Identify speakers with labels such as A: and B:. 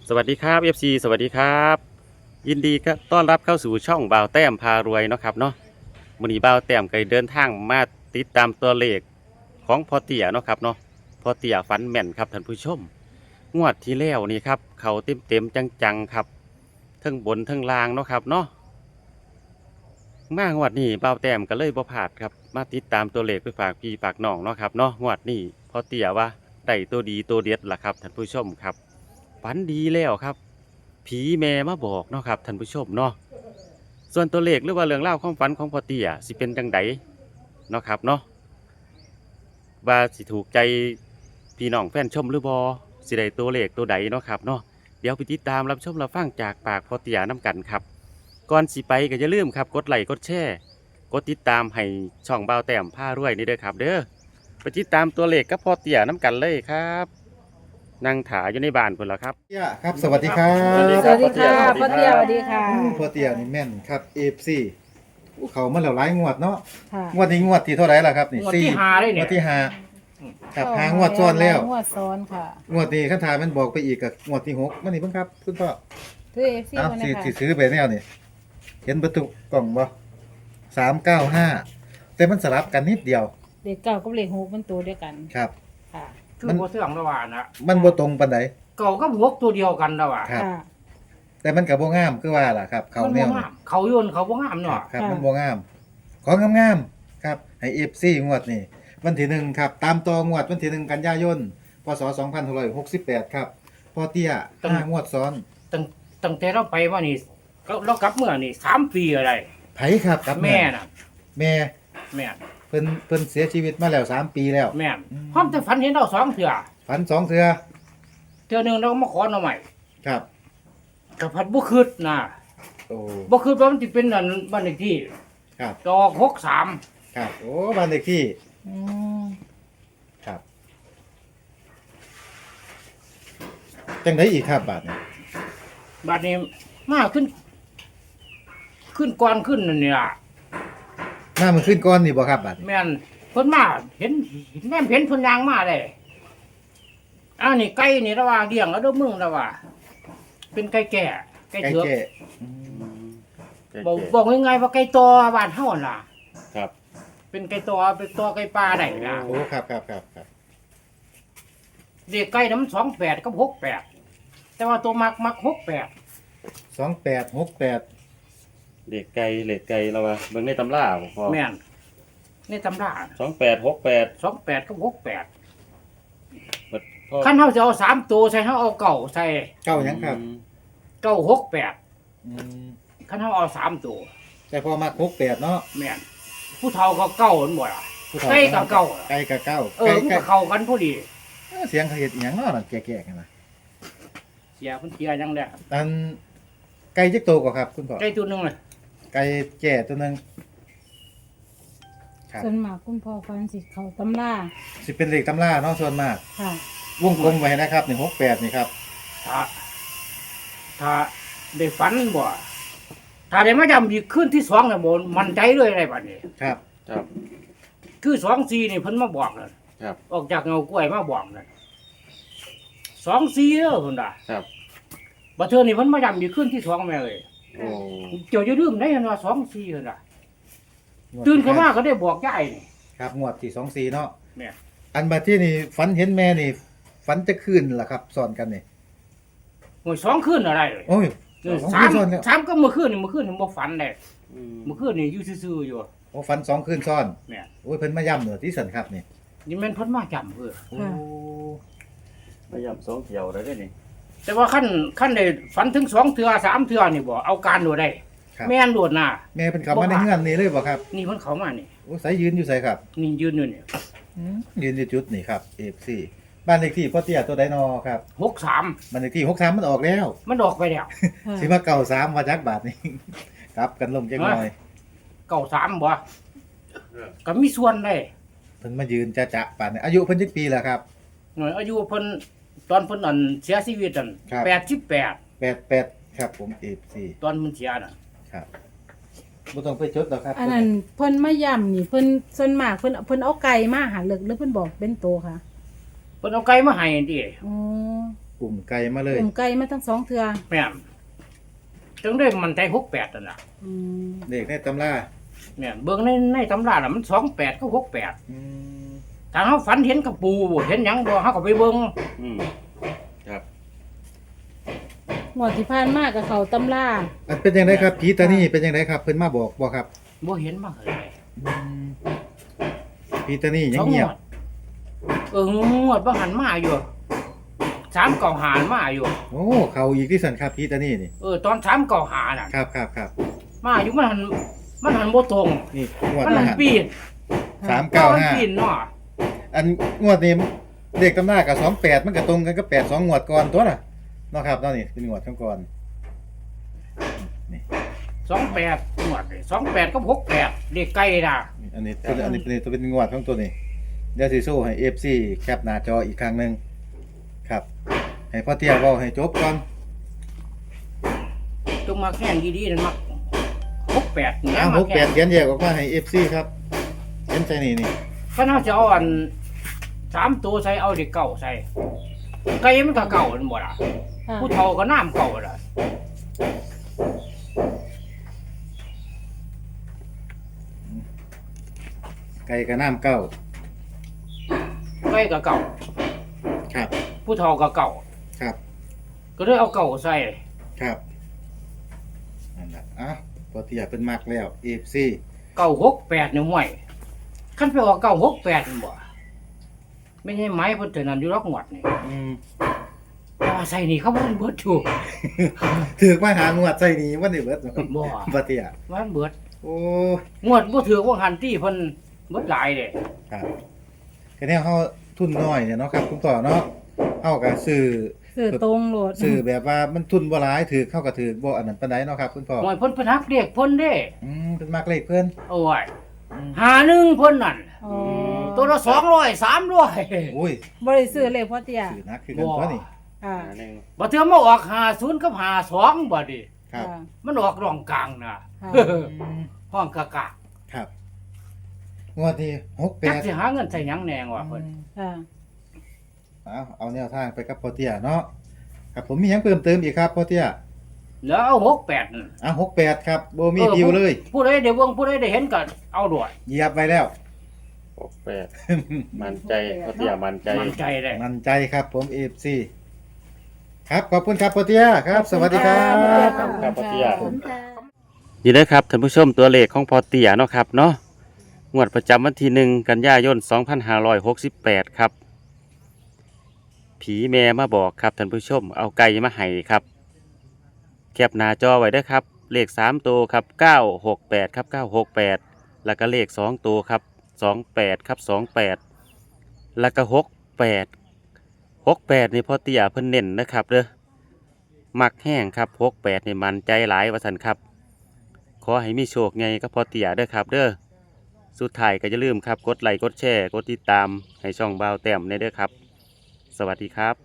A: สวัสดีครับ FC สวัสดีครับยินดีก็ต้อนรับเข้าสู่ช่องบ่าวแต้มพารวยเนาะครับเนาะมื้อนี้บ่าวแต้มก็เดินทางมาติดตามตัวเลขของพ่อเตี่ยเนาะครับเนาะพ่อเตี่ยฝันแม่นครับท่านผู้ชมงวดที่แล้วนี่ครับเขาเต็มจังๆครับทั้งบนทั้งล่างเนาะครับเนาะมางวดนี้บ่าวแต้มก็เลยบ่พลาดครับมาติดตามตัวเลขไปฝากพี่ฝากน้องเนาะครับเนาะงวดนี้พ่อเตี่ยว่าได้ตัวดีตัวเด็ดล่ะครับท่านผู้ชมครับฝันดีแล้วครับผีแม่มาบอกเนาะครับท่านผู้ชมเนาะส่วนตัวเลขหรือว่าเรื่องเล่าวความฝันของพ่อเตี่ยสิเป็นจังไดเนาะครับเนาะว่าสิถูกใจพี่น้องแฟนชมหรือบ่สิได้ตัวเลขตัวใดเนาะครับเนาะเดี๋ยวไปติดตามรับชมรับฟังจากปากพ่อเตี่ยน้กันครับก่อนสิไปก็อย่าลืมครับกดไลค์กดแชร์กดติดตามให้ช่องบ่าวแต้มพารวยนี่เด้อครับเด้อไปติดตามตัวเลขกับพ่อเตี่ยน้กันเลยครับนั่งถาอยู่ในบ้านพุ่นละครับ
B: เตี้ยครับสวัสดีครั
A: สวัสดี
B: บ
A: ครับ
C: สวัสดีค่ะ
A: พ่
C: พ่
A: อ
C: อ
A: เตี้
C: เตี้
A: ย
C: ยสวัสดีค่ะ
B: พ่อเตี้ยนี่แม่นครับ AFC เขามาแล้วหลายงวดเนาะ
C: ค่ะ
B: งวดนี้งวดที่เท่าไหร่ล่ะครับนี่
D: งวดที่ห้าเลยเนี่ย
B: งวดที่ห้าครับหางวดซ้อนแล้ว
C: งวดซ้อนค่ะ
B: งวดนี้คันถามมันบอกไปอีกกับงวดที่6มันนี่เพิ่งครับคุณพ่อ
C: คือเอฟซี
B: เอ้า
C: มัน
B: สิ
C: นะคะ
B: สิซื้อไปแนวนี่เห็นประตูกล่องบ่395แต่มันสลับกันนิดเดียว
C: เด็กเก่ากับเด็กหกมันตัวเดียวกัน
B: ครับ
C: ค่ะ
D: คือบ่เสื่องระหว่างนะ
B: มันบ่ตรงปานใด
D: เก่ากับหกตัวเดียวกันระหว่าง
B: ครับ
C: ค่ะ
B: แต่มันก็บ่งามคือว่าล่ะครับ เขา
D: มัน
B: แน
D: บ่
B: ว
D: งามเขาโยนเขาบ่งาม
B: ครั
D: เนาะ
B: บครับ
C: ค่ะ
B: มันบ่งาม ของงามๆครับให้ FC งวดนี้วันที่1ครับตามต่องวดวันที่1กันยายนพศ2568ครับพ่อเตี้ย5งวดซ้อน
D: ตั้งแต่เราไปมานี่เรากลับเมื่อนี่3 ปีอะไร
B: ไผครับครับ
D: แม่น่ะ
B: แม่
D: แม่น
B: เพิ่นเสียชีวิตมาแล้ว3 ปีแล้ว
D: แม่นพร้อมจะฝันเห็นเรา2เทื่อ
B: ฝัน2เทื่อ
D: เทื่อหนึงเราก็มาขอหน่อใหม่
B: ครับ
D: กับพัดบ่คิดนะ
B: โอ้
D: บ่คิดว่ามันสิเป็นอันบ้านเลขที่
B: ครับ
D: ดอก63
B: ครับโอ้บ้านเลขที่
C: อืม
B: ครับจังไดอีกครับบาดนี้
D: บัดนี้มาขึ้นก่อนขึ้นนั่นนี่ล่ะ
B: มามันขึ้นก่อนนี่บ่ครับบาดนี้
D: แม่นเพิ่นมาเห็นแม่นเห็นเพิ่นยางมาได้อ้าวนี่ไก่นี่ระว่าเลี้ยงแล้วเด้อมึงระว่าเป็นไก่แก่ไก่
B: ไก่
D: เถือก
B: แก่อืม
D: บอกง่ายๆว่าไก่ตอบ้านเฮาน่ะ
A: ครับ
D: เป็นไก่ตอเป็นตอไก่ปลาได้นะ
B: โอ้ครับครับครับครับ
D: เด็กไก่น้ำ28กับ68แต่ว่าตัวมัก
B: 2868
A: เด็กไก่เหล็กไก่เราว่าเบิ่งในตำราบ่พอ
D: 68แม่นในตำรา
A: 2868
D: 28กับ68
A: พ่อ
D: คันเฮาสิเอา3ตัวใส่เฮาเอาเก่าใส่
B: เก้าหยังครับ
D: เก่า68
B: อืม
D: คันเฮาเอา3ตัว
B: แต่พอมา68เนาะ
D: แม่นผู้เฒ่าก็เก่ามันบ่ล่ะ
B: ผู้เฒ่า
D: ไก่กับเก้า
B: ไก่กับเก้า
D: เออมันก็เข้ากันพอดี
B: เสียงเขาเฮ็ดอีหยังเนาะนั่นแก่ๆกันนะ
D: เสียเพิ่นเสียยังแหละ
B: อันไก่จักโตวกว่าครับ คุณพ่อ
D: ไก่ตัวหนึงเลย
B: ไก่แก่ตัวหนึงครับ
C: ส่วนมากคุณพ่อฟันสิเขาตำรา
B: สิเป็นเลขตำราเนาะส่วนมาก
C: ค่ะ
B: วงกลมไว้นะครับ168นี่ครับ
D: ถ้าได้ฝันบ่ถ้าได้มาจำอีกคืนที่2น่ะบ่มั่นใจเลยได้บัดนี้
B: ครับ
A: ครับ
D: คือ2-4นี่เพิ่นมาบอกนั่น
A: ครับ
D: ออกจากเงากล้วยมาบอกนั่น2-4เด้อเพิ่นน่ะ
A: ครับ
D: บัดเทื่อนี่เพิ่นมาจำอีกคืนที่2แม่เอ้ย
A: โอ้
D: เจ้าอย่าลืมได้เห็นว่า2-4เพิ่นน่ะตื่นขึ้นมาก็ได้บอกยายนี่
B: ครับงวดที่24เนาะ
D: แม่
B: อันบัดที่นี่ฝันเห็นแม่นี่ฝันจะคืนล่ะครับสอนกันนี่
D: โอ้ย2คืนอะไรเลย
B: โอ้ย
D: เออ
B: สอง
D: สา
B: คื
D: ม
B: นซ้อนแล้ว
D: สามก็เมื่อคืนนี่บ่ฝันได้
A: อืม
D: เมื่อคืนนี่อยู่ซื่อๆอยู่
B: โอ้ฝัน2คืนซ้อน
D: แม่
B: โอ้ยเพิ่นมาย้ำเหนือที่สันครับนี่
D: นี่แม่นเพิ่นมาจำเด้อ
B: โอ้
A: พยายามสองเที่ยวได้นี่
D: แต่ว่าขั้นได้ฝันถึง2เทื่อ3เทื่อนี่บ่เอาการโดดได้
B: ครับ
D: แม่นโดดน่ะ
B: แม่เพิ่นเข้ามาในเฮือนนี่เลยบ่ครับ
D: นี่เพิ่นเข้ามานี่
B: โอ้ใส่ยืนอยู่ใส่ครับ
D: นี่ยืนอยู่นี่
B: ยืนอยู่จุดนี่ครับ FC บ้านเลขที่พ่อเตี้ยตัวใดนอครับ
D: 63
B: บ้านเลขที่63มันออกแล้ว
D: มันออกไปแล้ว
C: ค่ะ
B: สิมาเก่า3มาจักบาทนี่ ครับกันลงจังหน่อย
D: 93บ่ก็มีส่วนได้
B: เพิ่นมายืนจะป่านนี้อายุเพิ่นจักปีแล้วครับ
D: หน่อยอายุเพิ่นตอนเพิ่นอันเสียชีวิตอัน
B: ครับ
D: 88
B: 88ครับผม FC
D: ตอนมันเสียน่ะ
B: ครับบ่ต้องไปจดหรอกครับ
C: อันนั้นเพิ่นมาย่ำนี่เพิ่นส่วนมากเพิ่นเอาไก่มาหาเลิกหรือเพิ่นบอกเป็นโตค่ะ
D: เพิ่นเอาไก่มาให้ติ
C: อ๋อ
B: อุ่มไก่มาเลย
C: อุ้มไก่มาทั้งสองเทื่อ
D: แม่นจึงได้มันใจ68นั่นน่ะ
C: อืม
B: เด็กในตำรา
D: แม่นเบิ่งในตำราน่ะมัน28กับ68
B: อืม
D: ถ้าเฮาฝันเห็นกระปูเห็นหยังบ่เฮาก็ไปเบิ่ง
A: อืมครับ
C: งวดที่ผ่านมากับเขาตำรา
B: อันเป็นยังไงครับผีตานี่เป็นยังไงครับเพิ่นมาบอกบ่ครับ
D: บ่เห็นมาเลย
B: อืมผีตานี่ยังเงียบ
D: งวดบ่หันมาอยู่3เก่าหารมาอยู่
B: โอ้เขาอีกที่สันครับผีตานี่นี่
D: ตอน3เก่าหาน่ะ
B: ครับครับครับ
D: มาอยู่มันหันบ่ตรง
B: นี่งวด
D: มัน
B: ละ
D: หัน
B: หัน
D: ปีน
B: 395
D: มันปีนเนาะ
B: อันงวดนี้เด็กตำรากับ28มันก็ตรงกันกับ82งวดก่อนตัวน่ะเนาะครับเนาะนี่เป็นงวดก่อนนี่
D: 28งวดนี่28กับ68เด็กไก่น่ะ
B: อันนี้ตัวเป็นงวดของตัวนี้เดี๋ยวสิโซ่ให้ FC แคปหน้าจออีกครั้งหนึงครับ ให้พ่อเตี้ยเว้าให้จบก่อน
D: จงมาแข่งดีๆนั่นมัก68นี่
B: อ้าว
D: มาแข่ง
B: 68เขียนแยกออกมาให้ FC ครับเขียนใส่นี่นี่
D: คันเฮาจะเอาอัน3ตัวใส่เอาเด็กเก่าใส่ไก่มันก็เก่านั่นบ่ล่ะ
C: ค่ะ
D: ผู้เฒ่าก็น้ำเก่าล่ะ
B: ไก่กับน้ำเก้า
D: ไก่ก็เก่า
B: ครับ
D: ผู้เฒ่าก็เก่า
B: ครับ
D: ก็เลยเอาเก่าใส่
B: ครับนั่นล่ะอ้าวพ่อเตี้ยเพิ่นมักแล้ว FC
D: เก่า68นี่ห่วยคันไปออกเก่า68นี่บ่ไม่ใช่ไม้เพิ่นเท่านั้นอยู่รอกงวดนี่
B: อืม
D: แต่ว่าใส่นี่เขาบ่เบิดอยู่
B: ถือมาหางวดใส่นี่วันนี้เบิด
D: บ่
B: พ่อเตี้ย
D: มันเบิด
B: โอ้
D: งวดบ่ถือว่าหันที่เพิ่นเบิดหลายเด้
B: ครับแค่นี้เฮาทุนน้อยเนี่ยเนาะครับคุณพ่อเนาะเฮาก็ซื้อ
C: สื่อตรงโหลด
B: ซื้อแบบว่ามันทุนบ่หลายถือเข้าก็ถือบ่อันนั้นปานใดเนาะครับคุณพ่อ
D: ห่วยเพิ่นฮักเรียกเพิ่นเด้
B: เป็นมักเลขเพิ่น
D: โอ้ยหาหนึ่งเพิ่นนั่น
C: อ๋อ
D: ตัวละ200 300
B: โอ้ย
C: บ่ได้ซื้อเลยพ่อเตี้ย
B: ซื้อนักคือกันตัวนี่
C: ค่ะ
A: หนึ่ง
D: บ่เทื่อมาออก50กับ52บัดนี้
B: ครับ
C: ค่ะ
D: มันออกร่องกลางน่ะ
C: ค่ะ
D: ห้องกะกะ
B: ครับงวดนี้
D: จักสิ
B: 68
D: หาเงินใส่หยังแหนงวะเพิ่น
C: ค่ะ
B: เอาแนวทางไปกับพ่อเตี้ยเนาะครับผมมีหยังเพิ่มเติมอีกครับพ่อเตี้ย
D: แล้วเอา68นั่น
B: 68ครับบ่มีดิวเลย
D: ผู้ใดได้เบิ่งผู้ใดได้เห็นก็เอาด้วย
B: เหยียบไว้แล้ว
A: 68มันใจพ่อเตี้ยมันใจ
D: มั่นใจได้
B: มั่นใจครับผม FC ครับขอบคุณครับพ่อเตี้ยครับ สวัสดีครับ
A: ครับพ่อเตี้ย
C: ขอบคุณค่ะ
A: นี่นะครับท่านผู้ชมตัวเลขของพอเตียเนาะครับเนาะงวดประจำวันที่1กันยายน2568ครับผีแม่มาบอกครับท่านผู้ชมเอาไก่มาให้ครับแคปหน้าจอไว้เด้อครับเลข3ตัวครับ968ครับ968แล้วก็เลข2ตัวครับ28ครับ28แล้วก็68นี่พอเตียเพิ่นเน้นนะครับเด้อมักแห้งครับ68นี่มันใจหลายว่าซั่นครับขอให้มีโชคไงก็พอเตียเด้อครับเด้อสุดท้ายก็อย่าลืมครับกดไลค์กดแชร์กดติดตามให้ช่องบ่าวแต้มในเด้อครับ สวัสดีครับ